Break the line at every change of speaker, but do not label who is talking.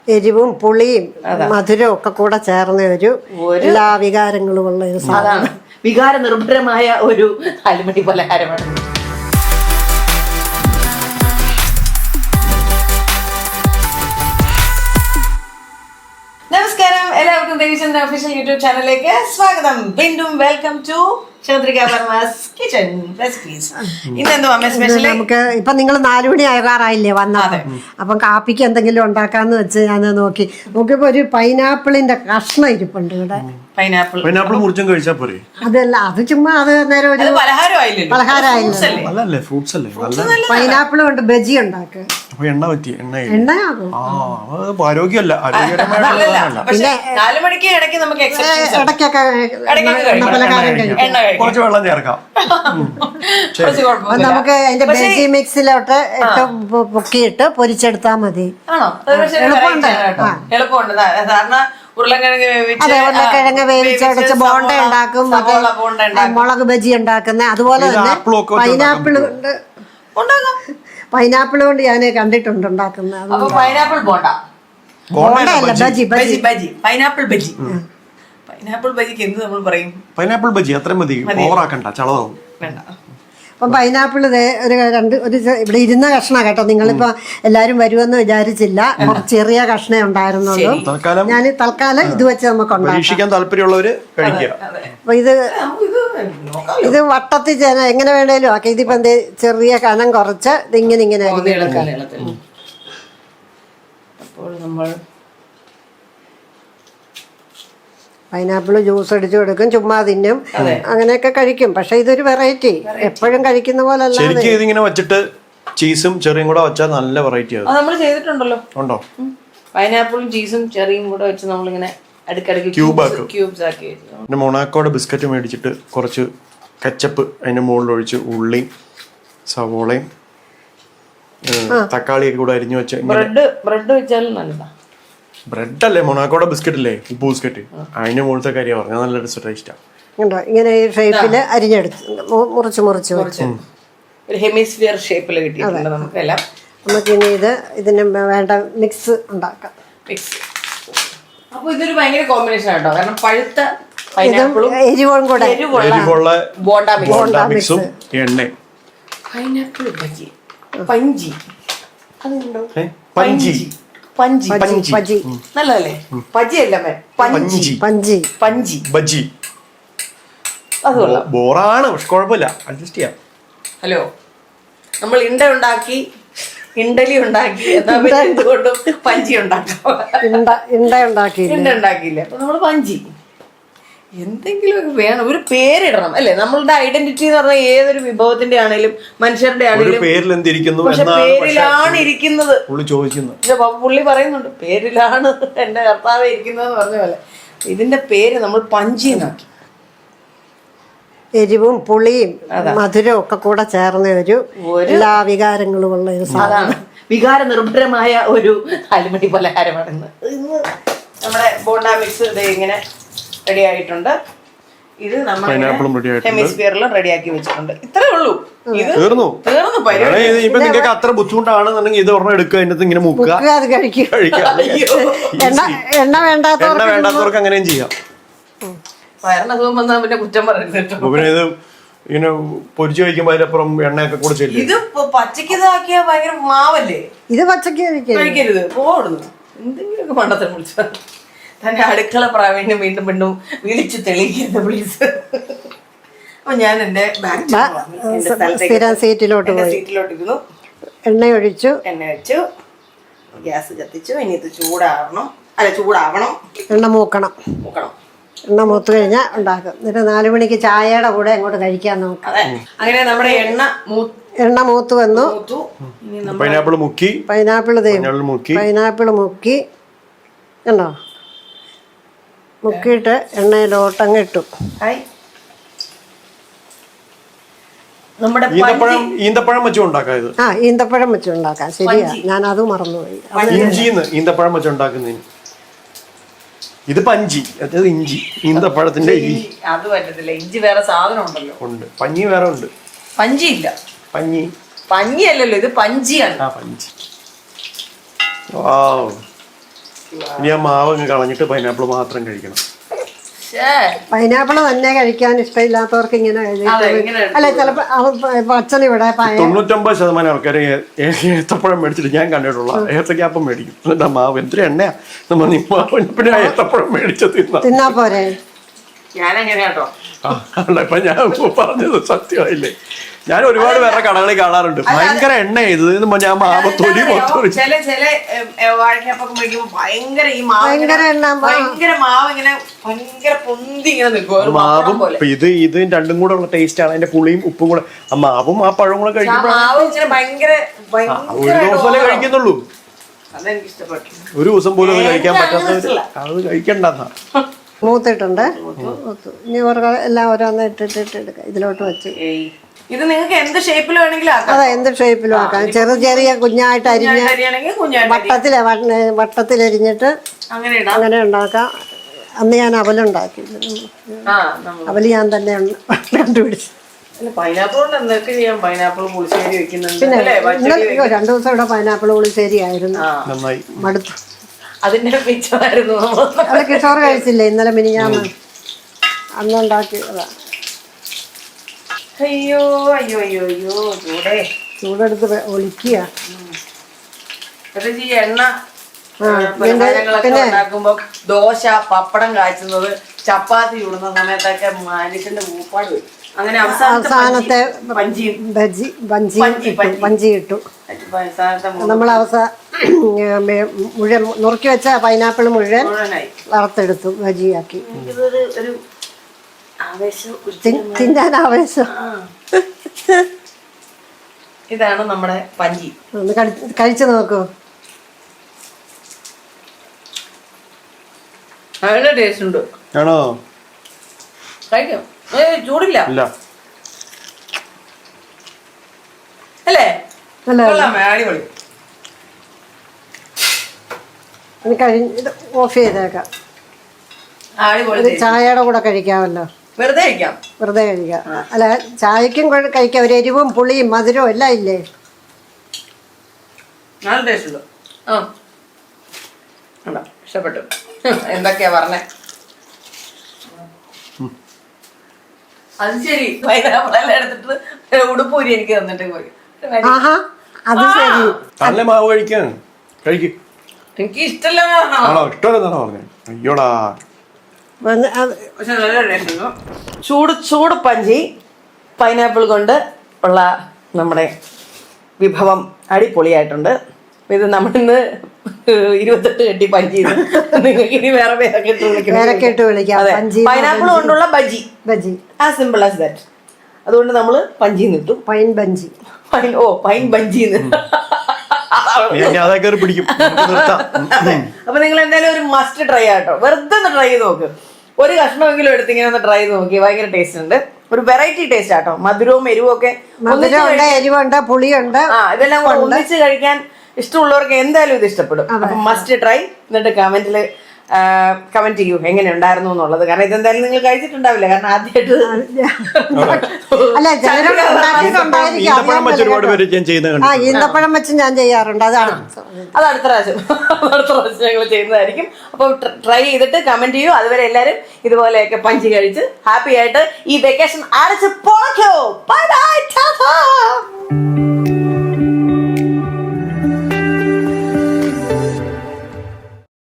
എരിവും പുളിയും മധുരവും ഒക്കെ കൂടെ ചേർന്ന ഒരു എല്ലാ വികാരങ്ങളും ഉള്ള ഒരു സാധനം.
വികാര നിർഭരമായ ഒരു അലുമണി പലഹാരമാണ്. നമസ്കാരം, എല്ലാവർക്കും ദേവിചന്ദ്ര ഒഫീഷ്യൽ യൂട്യൂബ് ചാനലിലേക്ക് സ്വാഗതം. വീണ്ടും welcome to Chandrika Varma's kitchen recipes. ഇന്നെന്തോ അമ്മ സ്പെഷ്യൽ? നമുക്ക്
ഇപ്പൊ നിങ്ങൾ 4 മണി ആകാറായില്ലേ വന്നത്, അപ്പം കാപ്പിക്ക് എന്തെങ്കിലും ഉണ്ടാക്കാന്ന് വെച്ച് ഞാൻ നോക്കിയപ്പോ ഒരു പൈനാപ്പിളിന്റെ കഷ്ണം ഇരിപ്പുണ്ട് ഇവിടെ.
പൈനാപ്പിൾ മുറിച്ചും കഴിച്ചാ പോരെ?
അതല്ല, അത് ചുമ്മാ അത് നേരം ഒരു പലഹാരമായില്ലേ. പൈനാപ്പിൾ കൊണ്ട് ബജി ഉണ്ടാക്കുക.
എണ്ണ പറ്റി
എണ്ണയാകും.
ആരോഗ്യമല്ല,
പിന്നെ
4 മണിക്ക് ഇടയ്ക്ക് നമുക്ക്
ഇടയ്ക്കൊക്കെ പലഹാരം കഴിക്കും.
കുറച്ച് വെള്ളം ചേർക്കാം.
നമുക്ക് അതിന്റെ ബജി മിക്സിലോട്ട് ഇട്ട് പൊക്കിയിട്ട് പൊരിച്ചെടുത്താൽ മതി.
എളുപ്പമുണ്ട്. സാധാരണ
ഉരുളക്കിഴങ്ങ് വേവിച്ചടച്ച് ബോണ്ട ഉണ്ടാക്കും, മുളക് ബജി ഉണ്ടാക്കുന്ന. അതുപോലെ തന്നെ പൈനാപ്പിൾ കൊണ്ട് ഞാൻ കണ്ടിട്ടുണ്ട് ഉണ്ടാക്കുന്നത്.
പൈനാപ്പിൾ ബോണ്ട,
ബോണ്ടയല്ല, ബജി.
പൈനാപ്പിൾ ബജി. പൈനാപ്പിൾ ബജിക്ക് എന്ത് നമ്മൾ പറയും?
പൈനാപ്പിൾ ബജി. അത്രയും മതി, ഓവറാക്കണ്ട, ചളവാകും.
അപ്പം പൈനാപ്പിൾ ഒരു ഇവിടെ ഇരുന്ന കഷ്ണം കേട്ടോ. നിങ്ങളിപ്പോ എല്ലാരും വരുമെന്ന് വിചാരിച്ചില്ല, ചെറിയ കഷ്ണേ ഉണ്ടായിരുന്നുള്ളൂ. ഞാൻ തൽക്കാലം ഇത് വെച്ച് നമുക്ക്
പരീക്ഷിക്കാൻ താല്പര്യമുള്ളവര് കഴിക്കുക.
അപ്പൊ ഇത് വട്ടത്തിൽ എങ്ങനെ വേണേലും ആക്കി. ഇതിപ്പോ എന്ത് ചെറിയ കനം കുറച്ച് ഇതിങ്ങനെ
അപ്പോൾ നമ്മൾ
പൈനാപ്പിൾ ജ്യൂസ് അടിച്ചു കൊടുക്കും, ചുമ്മാ തിന്നും, അങ്ങനെയൊക്കെ കഴിക്കും. പക്ഷെ ഇതൊരു വെറൈറ്റി, എപ്പോഴും കഴിക്കുന്ന പോലെ അല്ല.
ശരിക്കും ഇതിങ്ങനെ വെച്ചിട്ട് ചീസും ചെറിയും കൂടെ വെച്ചാൽ നല്ല വെറൈറ്റി ആകും.
നമ്മൾ ചെയ്തിട്ടുണ്ടല്ലോ.
ഉണ്ടോ?
പൈനാപ്പിളും ചീസും ചെറിയും കൂടെ വെച്ച് നമ്മളിങ്ങനെ അടുക്കടക്ക് ക്യൂബ്സ് ആക്കി.
പിന്നെ മൊണാക്കോടെ ബിസ്ക്കറ്റ് മേടിച്ചിട്ട് കുറച്ച് കെച്ചപ്പ് അതിന്റെ മുകളിൽ ഒഴിച്ച് ഉള്ളിയും സവോളയും തക്കാളിയൊക്കെ കൂടെ അരിഞ്ഞു വെച്ച്
ബ്രെഡ് വെച്ചാലും നല്ലതാ.
ബ്രെഡ് അല്ലേ, മൊണാക്കോടെ ബിസ്ക്കറ്റ് അല്ലേ, ഉപ്പ് ബിസ്ക്കറ്റ്, അതിന്റെ മുകളിലത്തെ കാര്യം പറഞ്ഞാൽ നല്ല ടേസ്റ്റാ.
ഇങ്ങനെ ഈ ഷേപ്പില് അരിഞ്ഞെടുത്ത് മുറിച്ച്
ഒരു ഹെമിസ്ഫിയർ ഷേപ്പിൽ കിട്ടിയിട്ടുണ്ട് നമുക്കെല്ലാം.
നമുക്കിനി ഇതിന് വേണ്ട മിക്സ് ഉണ്ടാക്കാം.
അപ്പൊ ഇതൊരു ഭയങ്കര കോമ്പിനേഷൻ ആട്ടോ, കാരണം പഴുത്ത പൈനാപ്പിളും
എരിവും കൂടെ
എരിവുള്ള
ബോണ്ട
മിക്സും എണ്ണയും.
പൈനാപ്പിൾ ബജി, പഞ്ചി, അതുണ്ടോ?
പഞ്ചി
പഞ്ചി നല്ലതല്ലേ? പജി അല്ല, പഞ്ചി
ബജി.
അത് കൊള്ളാം.
ബോറാണ്, പക്ഷെ കുഴപ്പമില്ല, അഡ്ജസ്റ്റ് ചെയ്യാം.
ഹലോ, നമ്മൾ ഇഡലി ഉണ്ടാക്കി, എന്തുകൊണ്ടും പഞ്ചി ഉണ്ടാക്കിയില്ല. അപ്പൊ നമ്മള് പഞ്ചി എന്തെങ്കിലുമൊക്കെ വേണം, ഒരു പേരിടണം അല്ലേ? നമ്മളുടെ ഐഡന്റിറ്റി എന്ന് പറഞ്ഞാൽ ഏതൊരു വിഭവത്തിന്റെ ആണെങ്കിലും മനുഷ്യരുടെ ആണെങ്കിലും പക്ഷെ പേരിലാണ് ഇരിക്കുന്നത്. പക്ഷെ പുള്ളി പറയുന്നുണ്ട് പേരിലാണ് എന്റെ കർത്താവ് ഇരിക്കുന്നതെന്ന് പറഞ്ഞ പോലെ ഇതിന്റെ പേര് നമ്മൾ പഞ്ചി എന്നാക്കി.
എരിവും പുളിയും മധുരവും ഒക്കെ കൂടെ ചേർന്ന ഒരു എല്ലാ വികാരങ്ങളും ഉള്ള ഒരു സാധനം.
വികാര നിർഭരമായ ഒരു അലുമണി പലഹാരമാണ് ഇന്ന് നമ്മുടെ ബോണ്ട മിക്സ്. ഇത് ഇങ്ങനെ റെഡി ആയിട്ടുണ്ട്. ഇത് നമ്മൾ ഹെമിസ്ഫിയറിലും റെഡിയാക്കി വെച്ചിട്ടുണ്ട്. ഇത്രേ ഉള്ളൂ. ഇത് തീർന്നു.
ഇപ്പൊ നിങ്ങൾക്ക് അത്ര ബുദ്ധിമുട്ടാണെന്നുണ്ടെങ്കിൽ ഇത് ഒരെണ്ണം എടുക്കുക, അതിനകത്ത് ഇങ്ങനെ മുക്കുക,
അത് കഴിക്കാം. എണ്ണ
വേണ്ടാത്തവർക്ക് അങ്ങനെയും ചെയ്യാം.
വയറിനസുഖം വന്നാൽ പിന്നെ കുറ്റം പറയരുത്.
പിന്നെ ഇത് ഇങ്ങനെ പൊരിച്ചു കഴിക്കുമ്പോ അതിനപ്പുറം എണ്ണയൊക്കെ കൂടെ ചെയ്യില്ല.
ഇത് പച്ചക്ക് ഇതാക്കിയ ഭയങ്കര മാവല്ലേ?
ഇത് പച്ചക്ക്
കഴിക്കരുത്, പോടുന്നു. എന്തെങ്കിലുമൊക്കെ പണ്ടത്തെ വിളിച്ചാൽ തന്റെ അടുക്കള പ്രാവീണ്യം വീണ്ടും വീണ്ടും വിളിച്ചു തെളിയിക്കരുത് പ്ലീസ്. അപ്പൊ ഞാൻ എന്റെ
സീറ്റിലോട്ട്
ഇരുന്നു,
എണ്ണ വെച്ചു,
ഗ്യാസ് കത്തിച്ചു. ഇനി ഇത് ചൂടാവണം.
എണ്ണ മൂക്കണം. എണ്ണ മൂത്ത് കഴിഞ്ഞാൽ ഉണ്ടാക്കും. എന്നിട്ട് 4 മണിക്ക് ചായയുടെ കൂടെ അങ്ങോട്ട് കഴിക്കാൻ നോക്കാം.
അങ്ങനെ നമ്മുടെ
എണ്ണ മൂത്ത് വന്നു.
പൈനാപ്പിൾ മുക്കി
കണ്ടോ, മുക്കിയിട്ട് എണ്ണയിലോട്ടങ്ങ് ഇട്ടു.
ഈന്തപ്പഴം വെച്ചും ഉണ്ടാക്കാം. ഇത്
ഈന്തപ്പഴം വെച്ചും ഉണ്ടാക്കാം. ശരിയാ, ഞാൻ അത് മറന്നുപോയി.
ഈന്തപ്പഴം വെച്ച് ഉണ്ടാക്കുന്നതിന് ഇത് പഞ്ചി, അതായത് ഇഞ്ചി. ഈന്തപ്പഴത്തിന്റെ
അത് പറ്റത്തില്ല, ഇഞ്ചി വേറെ സാധനം ഉണ്ടല്ലോ.
ഉണ്ട്, പഞ്ഞി വേറെ ഉണ്ട്.
പഞ്ചി ഇല്ല, പഞ്ഞി അല്ലല്ലോ, ഇത് പഞ്ചിയാണ്.
പഞ്ചി. ഇനി ആ മാവ് അങ്ങ് കളഞ്ഞിട്ട് പൈനാപ്പിൾ മാത്രം കഴിക്കണം.
പൈനാപ്പിൾ തന്നെ കഴിക്കാൻ ഇഷ്ടമില്ലാത്തവർക്ക് ഇങ്ങനെ അല്ല ചിലപ്പോ അച്ഛൻ ഇവിടെ
99% ആൾക്കാർ ഏത്തപ്പഴം മേടിച്ചിട്ട് ഞാൻ കണ്ടിട്ടുള്ള ഏത്തക്കാപ്പം മേടിക്കും. എന്നിട്ട് മാവ് എന്തൊരു എണ്ണയാ പിന്നെ ഏത്തപ്പഴം മേടിച്ച്
തിന്നാ പോരെ.
ഞാനങ്ങനെയാട്ടോ.
അല്ല ഇപ്പൊ ഞാൻ പറഞ്ഞത് സത്യമായില്ലേ. ഞാൻ ഒരുപാട് പേരുടെ കടകളിൽ കാണാറുണ്ട്, ഭയങ്കര എണ്ണ ഇത് ഞാൻ മാവ് തൊലി മൊത്തം
ചില വാഴക്കപ്പൊക്കെ മേടിക്കുമ്പോ ഭയങ്കര ഈ ഭയങ്കര മാവ് ഇങ്ങനെ ഭയങ്കര പൊന്തി ഇങ്ങനെ നിൽക്കും.
മാവും ഇത് രണ്ടും കൂടെ ഉള്ള ടേസ്റ്റ് ആണ്. അതിന്റെ പുളിയും ഉപ്പും കൂടെ ആ മാവും ആ പഴവും കൂടെ കഴിക്കുമ്പോൾ ഒരു ദിവസമല്ലേ കഴിക്കുന്നുള്ളൂ.
അതെനിക്ക് ഇഷ്ടപ്പെട്ടു.
ഒരു ദിവസം പോലും അത് കഴിക്കാൻ പറ്റാത്ത അത് കഴിക്കണ്ടെന്നാ.
മൂത്തിട്ടുണ്ട്. ഇനി എല്ലാം ഓരോന്ന് ഇട്ടിട്ട് എടുക്കാം. ഇതിലോട്ട് വെച്ച്
ഇത് നിങ്ങൾക്ക് എന്ത് ഷേപ്പിൽ വേണമെങ്കിലും
അതെ എന്ത് ഷേപ്പിലും ആക്കാം. ചെറിയ കുഞ്ഞായിട്ട് അരിഞ്ഞ് വട്ടത്തിലരിഞ്ഞിട്ട് അങ്ങനെ ഉണ്ടാക്കാം. അന്ന് ഞാൻ അവലുണ്ടാക്കി. അവല് ഞാൻ തന്നെ കണ്ടുപിടിച്ചു. പിന്നെ 2 ദിവസം ഇവിടെ പൈനാപ്പിൾ പുളിശ്ശേരി ആയിരുന്നു. മടുത്തു.
അതിന്റെ പിച്ചമായിരുന്നു.
അത് കിഷോർ കഴിച്ചില്ലേ ഇന്നലെ മിനിഞ്ഞാന്ന്? അന്നുണ്ടാക്കിയതാ.
അയ്യോ അയ്യോ അയ്യോ അയ്യോ
ചൂടെടുത്ത് ഒളിക്കുക.
ഈ എണ്ണ ഉണ്ടാക്കുമ്പോ ദോശ പപ്പടം കാച്ചുന്നത് ചപ്പാത്തി ചൂടുന്ന സമയത്തൊക്കെ മനുഷ്യന്റെ മൂപ്പാട് വരും. അങ്ങനെ
അവസാനത്തെ വഞ്ചി ഇട്ടു. നമ്മൾ മുഴുവൻ നുറുക്കി വെച്ച പൈനാപ്പിൾ മുഴുവൻ വറുത്തെടുത്തു ബജിയാക്കി. തിന്നാൻ ആവേശം.
ഇതാണ് നമ്മുടെ പഞ്ചി.
ഒന്ന് കഴിച്ചു നോക്കൂ.
നല്ല ടേസ്റ്റ് ഉണ്ട്.
ആണോ?
കഴിക്കാം. ചൂടില്ല അല്ലേ? അടിപൊളി.
ഓഫ് ചെയ്തേക്കാം. ചായയുടെ കൂടെ കഴിക്കാമല്ലോ.
വെറുതെ കഴിക്കാം.
അല്ല ചായക്കും കഴിക്കാം. ഒരു എരിവും പുളിയും മധുരവും എല്ലാം ഇല്ലേ?
നല്ല ടേസ്റ്റ് ഉണ്ട്. ഇഷ്ടപ്പെട്ടു. എന്തൊക്കെയാ പറഞ്ഞേ? അത് ശരി. പൈനാപ്പിളെല്ലാം എടുത്തിട്ട് ഉടുപ്പൂരി എനിക്ക് തന്നിട്ട് പോയി.
അത് ശരി.
നല്ല മാവ് കഴിക്കാൻ കഴിക്കും.
എനിക്ക് ഇഷ്ടമല്ല.
അയ്യോടാ.
പക്ഷെ നല്ല ടേസ്റ്റ്. ചൂട് പഞ്ചി പൈനാപ്പിൾ കൊണ്ട് ഉള്ള നമ്മുടെ വിഭവം അടിപൊളിയായിട്ടുണ്ട്. ഇത് നമ്മളിന്ന് 28 കെട്ടി പഞ്ചി. നിങ്ങൾക്ക് ഇനി വേറെ
പേരൊക്കെ വിളിക്കാം.
പൈനാപ്പിൾ കൊണ്ടുള്ള bajji as simple as that. അതുകൊണ്ട് നമ്മള് പഞ്ചി നിട്ടു.
പൈൻ ബഞ്ചി.
പൈൻ ബഞ്ചി. അപ്പൊ നിങ്ങൾ എന്തായാലും ഒരു മസ്റ്റ് ട്രൈ ആട്ടോ. വെറുതെ ഒന്ന് ട്രൈ ചെയ്ത് നോക്ക്. ഒരു കഷ്ണമെങ്കിലും എടുത്തിങ്ങനെ ഒന്ന് ട്രൈ ചെയ്ത് നോക്കി. ഭയങ്കര ടേസ്റ്റ് ഉണ്ട്. ഒരു വെറൈറ്റി ടേസ്റ്റ് ആട്ടോ. മധുരവും എരിവും ഒക്കെ
എരിവുണ്ട്, പുളിയുണ്ട്.
ഇതെല്ലാം ഒന്നിച്ച് കഴിക്കാൻ ഇഷ്ടമുള്ളവർക്ക് എന്തായാലും ഇത് ഇഷ്ടപ്പെടും. അപ്പൊ മസ്റ്റ് ട്രൈ. എന്നിട്ട് കമന്റ് ചെയ്യൂ എങ്ങനെ ഉണ്ടായിരുന്നു എന്നുള്ളത്. കാരണം ഇതെന്തായാലും നിങ്ങൾ കഴിച്ചിട്ടുണ്ടാവില്ല. കാരണം ആദ്യമായിട്ട്
ഈന്തപ്പഴം വെച്ച് ഞാൻ ചെയ്യാറുണ്ട്. അത്
അടുത്ത പ്രാവശ്യം ഞങ്ങൾ ചെയ്യുന്നതായിരിക്കും. അപ്പൊ ട്രൈ ചെയ്തിട്ട് കമന്റ് ചെയ്യൂ. അതുവരെ എല്ലാരും ഇതുപോലെയൊക്കെ പഞ്ചി കഴിച്ച് ഹാപ്പി ആയിട്ട് ഈ വെക്കേഷൻ അടച്ച് പോക്കോ. Bye bye.